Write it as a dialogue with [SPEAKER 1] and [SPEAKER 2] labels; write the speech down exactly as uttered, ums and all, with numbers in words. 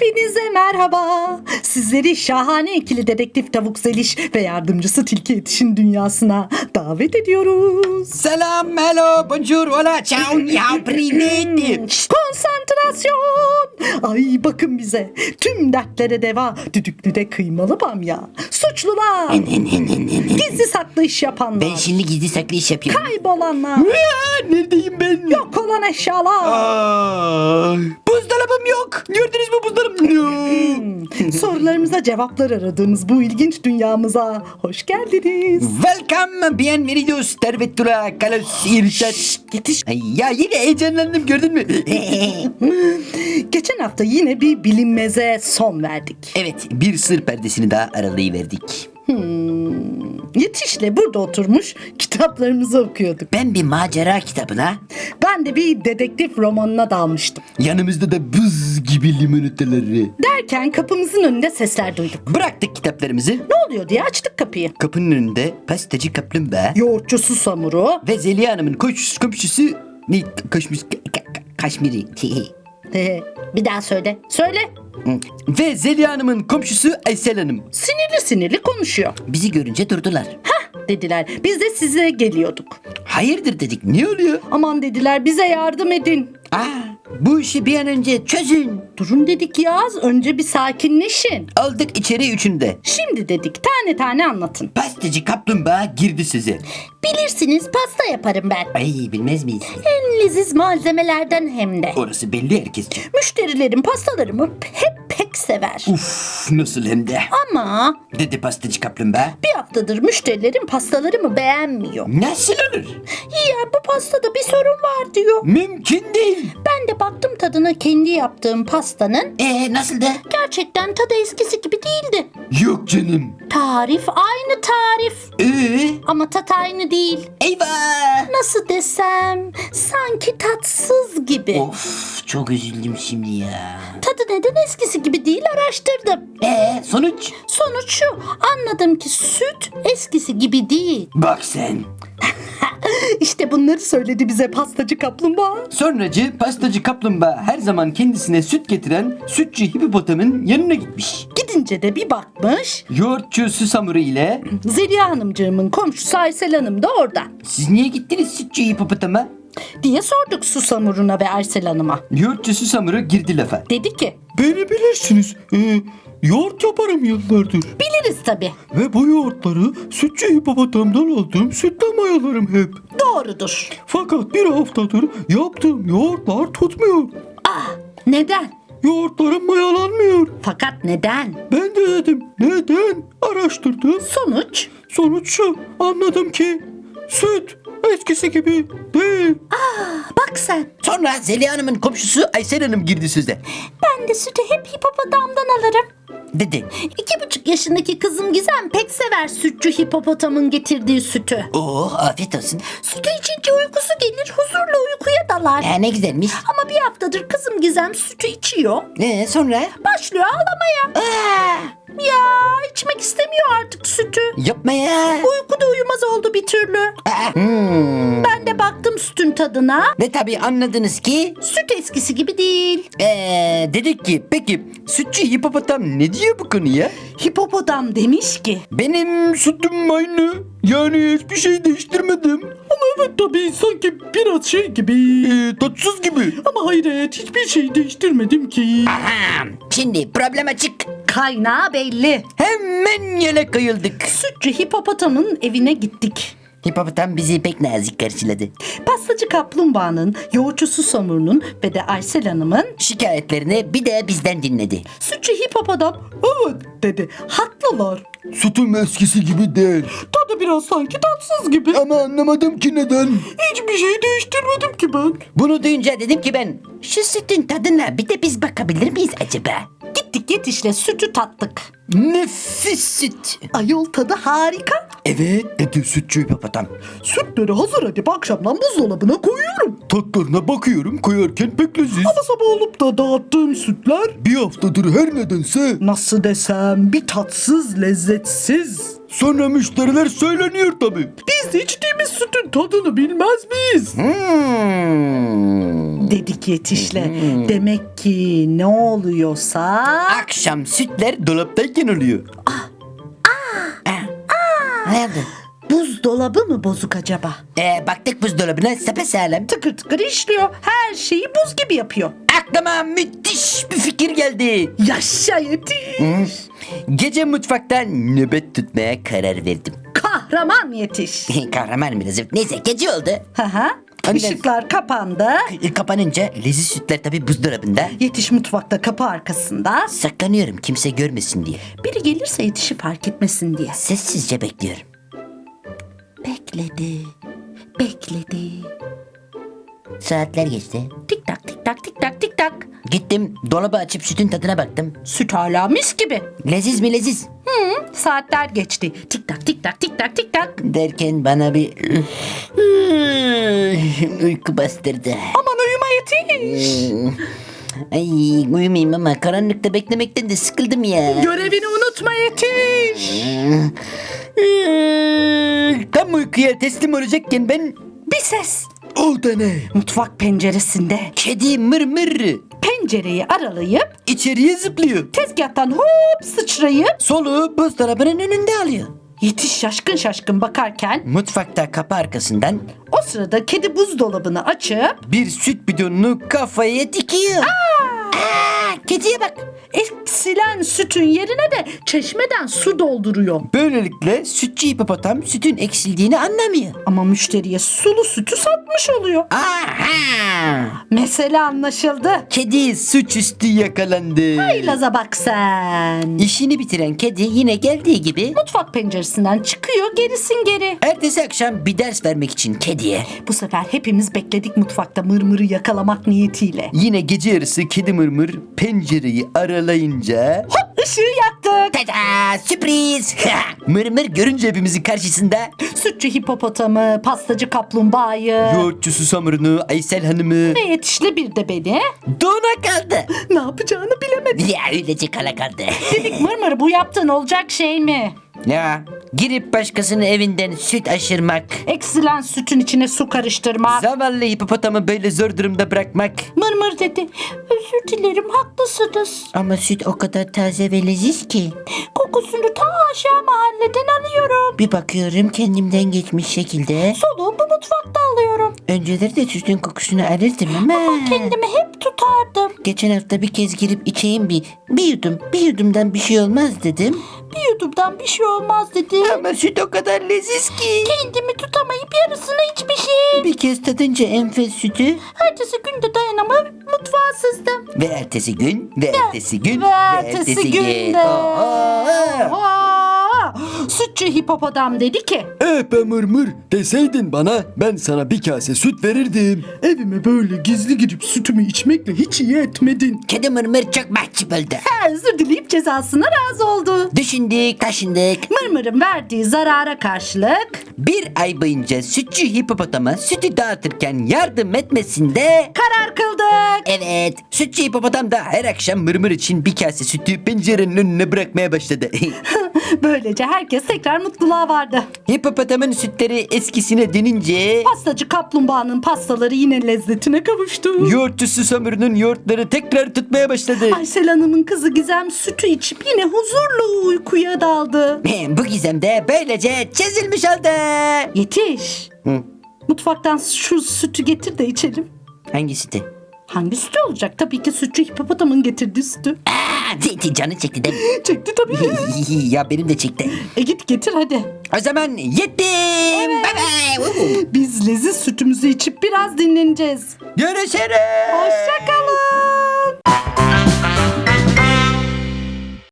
[SPEAKER 1] Hepinize merhaba. Sizleri şahane ikili dedektif Tavuk Zeliş ve yardımcısı Tilki Yetiş'in dünyasına davet ediyoruz.
[SPEAKER 2] Selam, hello, bonjour, hola, ciao, ya, privet.
[SPEAKER 1] Şşt, konsantrasyon. Ay bakın bize. Tüm dertlere deva. Düdüklüde kıymalı bamya. Suçlular. Gizli saklı iş yapanlar.
[SPEAKER 2] Ben şimdi gizli saklı iş yapıyorum.
[SPEAKER 1] Kaybolanlar.
[SPEAKER 2] Aa, neredeyim ben?
[SPEAKER 1] Yok olan eşyalar.
[SPEAKER 2] Aa, buzdolabım yok. Gördünüz mü buzdolabım? No.
[SPEAKER 1] Sorularımıza cevaplar aradığımız bu ilginç dünyamıza hoş geldiniz.
[SPEAKER 2] Welcome, bienvenidos, tervetura, kalos, irşat.
[SPEAKER 1] Yetiş.
[SPEAKER 2] Ay, ya yine heyecanlandım gördün mü?
[SPEAKER 1] Geçen hafta yine bir bilinmeze son verdik.
[SPEAKER 2] Evet, bir sır perdesini daha aralayıverdik.
[SPEAKER 1] Yetiş'le burada oturmuş kitaplarımızı okuyorduk.
[SPEAKER 2] Ben bir macera kitabına,
[SPEAKER 1] Ben de bir dedektif romanına dalmıştım.
[SPEAKER 2] yanımızda da buz gibi limonataları.
[SPEAKER 1] Derken kapımızın önünde sesler duyduk.
[SPEAKER 2] Bıraktık kitaplarımızı.
[SPEAKER 1] Ne oluyor diye açtık kapıyı.
[SPEAKER 2] Kapının önünde pastacı kaplumbağa
[SPEAKER 1] Yoğurtçu Susamuru.
[SPEAKER 2] ve Zeliha Hanım'ın komşusu, komşusu ne kaşmış ka- ka- kaşmiri
[SPEAKER 1] Ee, bir daha söyle. Söyle.
[SPEAKER 2] ve Zeliha Hanım'ın komşusu Aysel Hanım
[SPEAKER 1] Sinirli sinirli konuşuyor.
[SPEAKER 2] bizi görünce durdular.
[SPEAKER 1] Hah dediler. Biz de size geliyorduk.
[SPEAKER 2] Hayırdır dedik, ne oluyor?
[SPEAKER 1] Aman dediler bize yardım edin.
[SPEAKER 2] Aa, bu işi bir an önce çözün.
[SPEAKER 1] Durun dedik ya, önce bir sakinleşin.
[SPEAKER 2] Aldık içeri üçünde.
[SPEAKER 1] Şimdi dedik tane tane anlatın.
[SPEAKER 2] Pastacı kaplumbağa girdi size.
[SPEAKER 1] Bilirsiniz pasta yaparım ben.
[SPEAKER 2] Ay, bilmez miyiz?
[SPEAKER 1] En leziz malzemelerden hem de.
[SPEAKER 2] Orası belli herkesce.
[SPEAKER 1] Müşterilerim pastalarımı hep pek sever.
[SPEAKER 2] Uf, nasıl hem de.
[SPEAKER 1] Ama
[SPEAKER 2] Dedi pastacı kaplumbağa.
[SPEAKER 1] bir haftadır müşterilerim pastalarımı beğenmiyor.
[SPEAKER 2] Nasıl olur?
[SPEAKER 1] Ya bu pastada bir sorun var diyor.
[SPEAKER 2] Mümkün değil.
[SPEAKER 1] Ben de baktım tadına kendi yaptığım pastanın.
[SPEAKER 2] Ee nasıl da?
[SPEAKER 1] Gerçekten tadı eskisi gibi değildi.
[SPEAKER 2] Yok canım.
[SPEAKER 1] Tarif aynı tarif.
[SPEAKER 2] Ee?
[SPEAKER 1] Ama tat aynı değil.
[SPEAKER 2] Eyvah.
[SPEAKER 1] Nasıl desem sanki tatsız gibi.
[SPEAKER 2] Of, çok üzüldüm şimdi ya.
[SPEAKER 1] Tadı neden eskisi gibi değil araştırdım.
[SPEAKER 2] Ee sonuç?
[SPEAKER 1] Sonuç şu, anladım ki süt eskisi gibi değil.
[SPEAKER 2] Bak sen.
[SPEAKER 1] İşte bunları söyledi bize pastacı kaplumbağa.
[SPEAKER 2] Sonracı pastacı kaplumbağa her zaman kendisine süt getiren sütçü hipopotamın yanına gitmiş.
[SPEAKER 1] Gidince de bir bakmış,
[SPEAKER 2] Yoğurtçu Susamuru ile
[SPEAKER 1] Zeliha Hanımcığımın komşusu Aysel Hanım da orada.
[SPEAKER 2] siz niye gittiniz sütçü hipopotama?
[SPEAKER 1] Diye sorduk Susamur'una ve Aysel Hanım'a.
[SPEAKER 2] Yoğurtçu Susamuru girdi lafa.
[SPEAKER 1] Dedi ki,
[SPEAKER 3] Beni bilirsiniz. Ee, yoğurt yaparım yıllardır.
[SPEAKER 1] biliriz tabii.
[SPEAKER 3] Ve bu yoğurtları sütçü hipopotamdan aldığım sütle mayalarım hep.
[SPEAKER 1] Doğrudur.
[SPEAKER 3] Fakat bir haftadır yaptığım yoğurtlar tutmuyor.
[SPEAKER 1] Ah, neden?
[SPEAKER 3] Yoğurtlarım mayalanmıyor.
[SPEAKER 1] Fakat neden?
[SPEAKER 3] Ben de dedim neden? Araştırdım.
[SPEAKER 1] Sonuç?
[SPEAKER 3] Sonuç şu, anladım ki süt eskisi gibi değil.
[SPEAKER 1] Bak sen,
[SPEAKER 2] Sonra Zeliha Hanım'ın komşusu Aysel Hanım girdi söze.
[SPEAKER 1] ben de sütü hep hipopotamdan alırım.
[SPEAKER 2] Dedi.
[SPEAKER 1] İki buçuk yaşındaki kızım Gizem pek sever sütçü hipopotamın getirdiği sütü.
[SPEAKER 2] Oh, afiyet olsun.
[SPEAKER 1] Sütü içince uykusu gelir, huzurla uykuya dalar.
[SPEAKER 2] Ya ne güzelmiş.
[SPEAKER 1] Ama bir haftadır kızım Gizem sütü içiyor.
[SPEAKER 2] Ee, sonra?
[SPEAKER 1] Başlıyor ağlamaya.
[SPEAKER 2] Aa,
[SPEAKER 1] Ya içmek istemiyor artık sütü.
[SPEAKER 2] yapma ya.
[SPEAKER 1] Uykuda uyumaz oldu bir türlü.
[SPEAKER 2] Aa, hmm.
[SPEAKER 1] Ben de baktım sütün tadına.
[SPEAKER 2] Ve tabii anladınız ki
[SPEAKER 1] Süt eskisi gibi değil.
[SPEAKER 2] ee, dedik ki peki sütçü hipopotam ne diyor bu konuya?
[SPEAKER 1] Hipopotam demiş ki,
[SPEAKER 3] Benim sütüm aynı. Yani hiçbir şey değiştirmedim. Ama evet tabii sanki biraz şey gibi. Ee, tatsız gibi. Ama hayır evet hiçbir şey değiştirmedim ki.
[SPEAKER 2] Aha, şimdi problem açık.
[SPEAKER 1] kaynağı belli.
[SPEAKER 2] Hemen yele kayıldık.
[SPEAKER 1] Sütçü hipopotamın evine gittik.
[SPEAKER 2] Hipopotam bizi pek nazik karşıladı.
[SPEAKER 1] Pastacı kaplumbağanın, yoğurtçu Susamur'un ve de Aysel Hanım'ın
[SPEAKER 2] Şikayetlerini bir de bizden dinledi.
[SPEAKER 1] sütçü hipopotam evet dedi. Haklılar.
[SPEAKER 3] Sütüm eskisi gibi değil.
[SPEAKER 1] Tadı biraz sanki tatsız gibi.
[SPEAKER 3] Ama anlamadım ki neden.
[SPEAKER 1] Hiçbir şey değiştirmedim ki ben.
[SPEAKER 2] Bunu duyunca dedim ki ben şu sütün tadına bir de biz bakabilir miyiz acaba?
[SPEAKER 1] Gittik Yetiş'le sütü tattık.
[SPEAKER 2] Nefis süt.
[SPEAKER 1] Ayol tadı harika.
[SPEAKER 2] Evet dedi sütçü hipopotam.
[SPEAKER 1] Sütleri hazır edip akşamdan buzdolabına koyuyorum.
[SPEAKER 3] Tatlarına bakıyorum koyarken pek leziz.
[SPEAKER 1] Ama sabah olup da dağıttığım sütler
[SPEAKER 3] Bir haftadır her nedense
[SPEAKER 1] nasıl desem bir tatsız lezzetsiz.
[SPEAKER 3] sonra müşteriler söyleniyor tabii.
[SPEAKER 1] Biz de içtiğimiz sütün tadını bilmez miyiz?
[SPEAKER 2] Hmm.
[SPEAKER 1] dedik Yetiş'le. Demek ki ne oluyorsa...
[SPEAKER 2] Akşam sütler dolaptayken oluyor. Ne oldu?
[SPEAKER 1] Buzdolabı mı bozuk acaba?
[SPEAKER 2] Ee, baktık buzdolabına sapasağlam.
[SPEAKER 1] Tıkır tıkır işliyor. Her şeyi buz gibi yapıyor.
[SPEAKER 2] Aklıma müthiş bir fikir geldi.
[SPEAKER 1] Yaşa Yetiş.
[SPEAKER 2] Gece mutfakta nöbet tutmaya karar verdim.
[SPEAKER 1] Kahraman Yetiş.
[SPEAKER 2] Kahraman biraz. Neyse gece oldu.
[SPEAKER 1] Hı hı.
[SPEAKER 2] Anne.
[SPEAKER 1] Işıklar kapandı.
[SPEAKER 2] Kapanınca leziz sütler tabii buzdolabında.
[SPEAKER 1] Yetiş mutfakta kapı arkasında.
[SPEAKER 2] Saklanıyorum kimse görmesin diye.
[SPEAKER 1] Biri gelirse Yetiş'i fark etmesin diye.
[SPEAKER 2] Sessizce bekliyorum.
[SPEAKER 1] Bekledi. Bekledi.
[SPEAKER 2] Saatler geçti.
[SPEAKER 1] Tik tak tik tak tik tak tik tak.
[SPEAKER 2] Gittim dolabı açıp sütün tadına baktım.
[SPEAKER 1] Süt hala mis gibi.
[SPEAKER 2] Leziz mi leziz?
[SPEAKER 1] Saatler geçti. Tik tak tik tak tik tak tik tak.
[SPEAKER 2] Derken bana bir uyku bastırdı.
[SPEAKER 1] Aman uyuma Yetiş.
[SPEAKER 2] Ay uyumayayım ama karanlıkta beklemekten de sıkıldım ya.
[SPEAKER 1] Görevini unutma Yetiş.
[SPEAKER 2] Tam uykuya teslim olacakken ben...
[SPEAKER 1] Bir ses.
[SPEAKER 2] O da ne?
[SPEAKER 1] Mutfak penceresinde.
[SPEAKER 2] Kedi mır mır
[SPEAKER 1] Pencereyi aralayıp
[SPEAKER 2] içeriye zıplıyor.
[SPEAKER 1] tezgahtan hop sıçrayıp
[SPEAKER 2] Soluğu buzdolabının önünde alıyor.
[SPEAKER 1] Yetiş şaşkın şaşkın bakarken
[SPEAKER 2] Mutfakta kapı arkasından
[SPEAKER 1] o sırada kedi buzdolabını açıp
[SPEAKER 2] bir süt bidonunu kafaya dikiyor. Aa, kediye bak.
[SPEAKER 1] eksilen sütün yerine de çeşmeden su dolduruyor.
[SPEAKER 2] Böylelikle sütçü hipopotam sütün eksildiğini anlamıyor.
[SPEAKER 1] Ama müşteriye sulu sütü satmış oluyor.
[SPEAKER 2] Aha!
[SPEAKER 1] Mesele anlaşıldı.
[SPEAKER 2] Kedi suçüstü yakalandı.
[SPEAKER 1] Laza bak sen.
[SPEAKER 2] İşini bitiren kedi yine geldiği gibi
[SPEAKER 1] Mutfak penceresinden çıkıyor gerisin geri.
[SPEAKER 2] ertesi akşam bir ders vermek için kediye
[SPEAKER 1] Bu sefer hepimiz bekledik mutfakta mırmırı yakalamak niyetiyle.
[SPEAKER 2] yine gece yarısı kedi mırmır pencereyi aralayınca
[SPEAKER 1] Hop ışığı yaktık.
[SPEAKER 2] tada sürpriz. Mırmır görünce hepimizin karşısında
[SPEAKER 1] Sütçü hipopotamı, pastacı kaplumbağayı
[SPEAKER 2] yoğurtçusu Samur'unu, Aysel Hanım'ı
[SPEAKER 1] ve yetişli bir de beni
[SPEAKER 2] dona kaldı.
[SPEAKER 1] ne yapacağını bilemedi.
[SPEAKER 2] Ya öylece kala kaldı.
[SPEAKER 1] Dedik mırmır bu yaptığın olacak şey mi?
[SPEAKER 2] Ya girip başkasının evinden süt aşırmak,
[SPEAKER 1] Eksilen sütün içine su karıştırmak.
[SPEAKER 2] zavallı hipopotamı böyle zor durumda bırakmak.
[SPEAKER 1] Mırmır dedi. Özür dilerim haklısınız.
[SPEAKER 2] Ama süt o kadar taze ve leziz ki.
[SPEAKER 1] Kokusunu ta aşağı mahalleden alıyorum.
[SPEAKER 2] Bir bakıyorum kendimden geçmiş şekilde.
[SPEAKER 1] Soluğu bu mutfakta alıyorum.
[SPEAKER 2] Önceleri de sütün kokusunu alırdım ama.
[SPEAKER 1] Kendimi hep tutardım.
[SPEAKER 2] Geçen hafta bir kez girip içeyim bir. Bir yudum, bir yudumdan bir şey olmaz dedim.
[SPEAKER 1] Bir yudumdan bir şey olmaz dedi.
[SPEAKER 2] Ama süt o kadar leziz ki.
[SPEAKER 1] Kendimi tutamayıp yarısını içmişim.
[SPEAKER 2] Bir kez tadınca enfes sütü.
[SPEAKER 1] Ertesi günde dayanamayıp mutfağa sızdım.
[SPEAKER 2] Ve ertesi gün, ve ertesi gün,
[SPEAKER 1] Ve ertesi günde.
[SPEAKER 2] Aa!
[SPEAKER 1] Aa, sütçü hipopotam dedi ki
[SPEAKER 3] Eh be mırmır deseydin bana ben sana bir kase süt verirdim. Evime böyle gizli girip sütümü içmekle hiç iyi etmedin.
[SPEAKER 2] Kedi mırmır çok mahcup oldu.
[SPEAKER 1] "Ha, özür dileyip cezasına razı oldu.
[SPEAKER 2] Düşündük, taşındık.
[SPEAKER 1] Mırmırın verdiği zarara karşılık
[SPEAKER 2] Bir ay boyunca sütçü hipopotama sütü dağıtırken yardım etmesinde...
[SPEAKER 1] karar kıldık.
[SPEAKER 2] Evet, sütçü hipopotam da her akşam mırmır için bir kase sütü pencerenin önüne bırakmaya başladı.
[SPEAKER 1] Böylece herkes tekrar mutluluğa vardı.
[SPEAKER 2] Hipopotamın sütleri eskisine dönünce...
[SPEAKER 1] Pastacı kaplumbağanın pastaları yine lezzetine kavuştu.
[SPEAKER 2] Yoğurtçusu Samur'un yoğurtları tekrar tutmaya başladı.
[SPEAKER 1] Aysel Hanım'ın kızı Gizem sütü içip yine huzurlu uykuya daldı.
[SPEAKER 2] Bu gizem de böylece çözülmüş oldu.
[SPEAKER 1] Yetiş.
[SPEAKER 2] Hı.
[SPEAKER 1] Mutfaktan şu sütü getir de içelim.
[SPEAKER 2] Hangi sütü?
[SPEAKER 1] Hangi sütü olacak? Tabii ki sütçü hipopotamın getirdiği sütü.
[SPEAKER 2] Aa, zeytin canı çekti değil mi?
[SPEAKER 1] Çekti tabii.
[SPEAKER 2] Ya benim de çekti.
[SPEAKER 1] E git getir hadi.
[SPEAKER 2] O zaman yettim. Bye bye.
[SPEAKER 1] Biz leziz sütümüzü içip biraz dinleneceğiz.
[SPEAKER 2] Görüşürüz.
[SPEAKER 1] Hoşça kal.